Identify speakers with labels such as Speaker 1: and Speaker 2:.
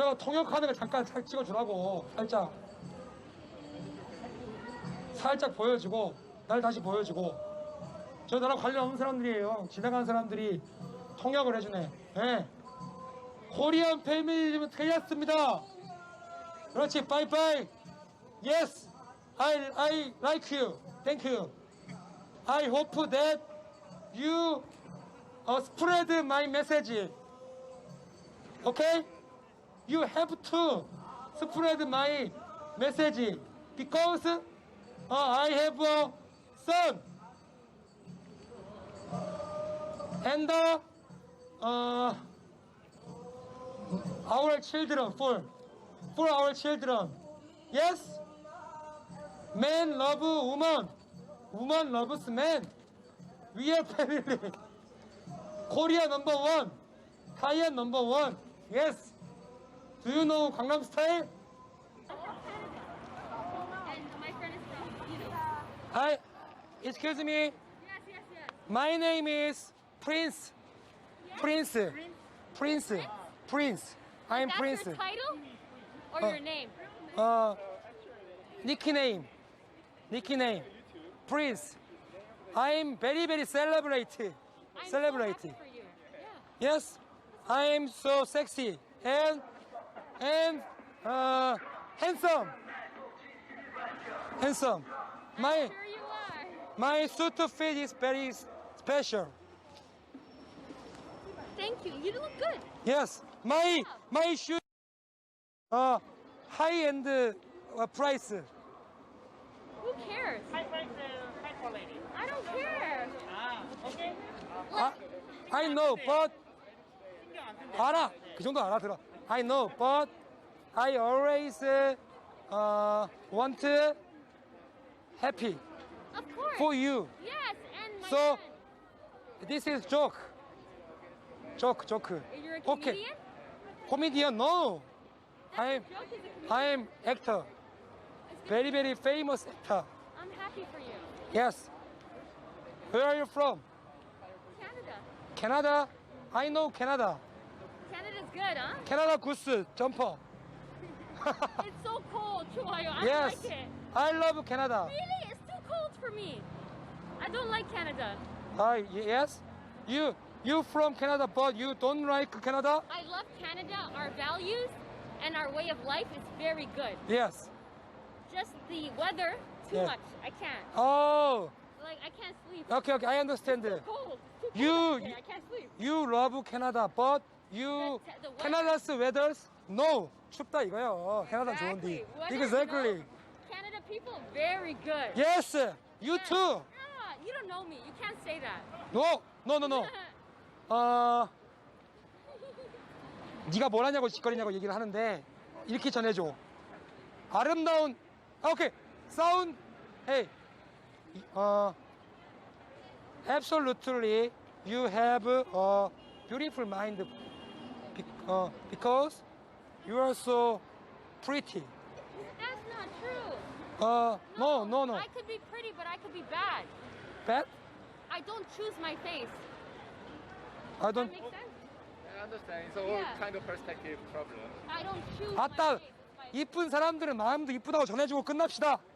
Speaker 1: 저 통역하는 거 잠깐 찍어주라고. 살짝 보여주고 날 다시 보여주고. 저 나랑 관련 없는 사람들이에요. 지나간 사람들이 통역을 해주네. 예. 코리안 패밀리는 틀렸습니다. 그렇지. 바이바이. Yes, I like you. Thank you. I hope that you spread my message. Okay? You have to spread my message because I have a son and our children for our children. Yes? Man love woman. Woman loves man. We are family. Korea number one. Thailand number one. Yes. Do you know Gangnam Style?
Speaker 2: And my friend is from, you know.
Speaker 1: Hi. Excuse me.
Speaker 2: Yes.
Speaker 1: My name is Prince. Prince. I'm
Speaker 2: That's
Speaker 1: Prince.
Speaker 2: your title or your name?
Speaker 1: Nickname. Prince. I'm very celebrate.
Speaker 2: I'm so happy for you. Yeah.
Speaker 1: Yes. I am so sexy and handsome. My
Speaker 2: Sure you are.
Speaker 1: my suit fit is very special.
Speaker 2: Thank you. You look good.
Speaker 1: Yes. My shoe high end price.
Speaker 2: Who cares?
Speaker 3: High price, high quality.
Speaker 2: I don't care.
Speaker 3: Okay.
Speaker 1: I know, but 알아. 그 정도 알아들어. I know, but I always want happy
Speaker 2: Of course.
Speaker 1: for you.
Speaker 2: Yes, and my
Speaker 1: So
Speaker 2: friend.
Speaker 1: this is joke. Joke.
Speaker 2: You're a
Speaker 1: Okay.
Speaker 2: comedian?
Speaker 1: Comedian? No.
Speaker 2: That's
Speaker 1: I'm
Speaker 2: a joke. He's a comedian.
Speaker 1: I'm actor.
Speaker 2: It's good.
Speaker 1: Very famous actor.
Speaker 2: I'm happy for you.
Speaker 1: Yes. Where are you from?
Speaker 2: Canada.
Speaker 1: Canada. I know Canada.
Speaker 2: Canada's good, huh?
Speaker 1: Canada Goose jumper.
Speaker 2: It's so cold, Chuayo. I
Speaker 1: Yes.
Speaker 2: don't like it.
Speaker 1: I love Canada.
Speaker 2: Really? It's too cold for me. I don't like Canada.
Speaker 1: Yes. You from Canada, but you don't like Canada?
Speaker 2: I love Canada. Our values and our way of life is very good.
Speaker 1: Yes.
Speaker 2: Just the weather, too
Speaker 1: Yeah.
Speaker 2: much. I can't.
Speaker 1: Oh.
Speaker 2: Like, I can't sleep.
Speaker 1: Okay. I understand.
Speaker 2: It's cold. It's too cold
Speaker 1: You-
Speaker 2: out there. I can't sleep.
Speaker 1: You love Canada, but you
Speaker 2: The weather.
Speaker 1: Canada's weather no 춥다 이거요. 캐나다 좋은데.
Speaker 2: Weather,
Speaker 1: Exactly.
Speaker 2: you know, Canada people, very good.
Speaker 1: Yes. You
Speaker 2: Yeah.
Speaker 1: too.
Speaker 2: Ah, you don't know me. You can't say that.
Speaker 1: No. 네가 뭘 하냐고 짓거리냐고 얘기를 하는데 이렇게 전해줘. 아름다운. 오케이. Sound. Hey. Absolutely. You have a beautiful mind because you are so pretty.
Speaker 2: That's not true.
Speaker 1: No.
Speaker 2: I could be pretty, but I could be bad.
Speaker 1: Bad?
Speaker 2: I don't choose my face.
Speaker 1: I
Speaker 2: Does
Speaker 1: don't.
Speaker 2: that make sense?
Speaker 4: I understand. It's all
Speaker 2: Yeah.
Speaker 4: kind of perspective problem.
Speaker 2: I don't choose
Speaker 1: 아따,
Speaker 2: my face.
Speaker 1: 이쁜 사람들은 마음도 이쁘다고 전해주고 끝납시다.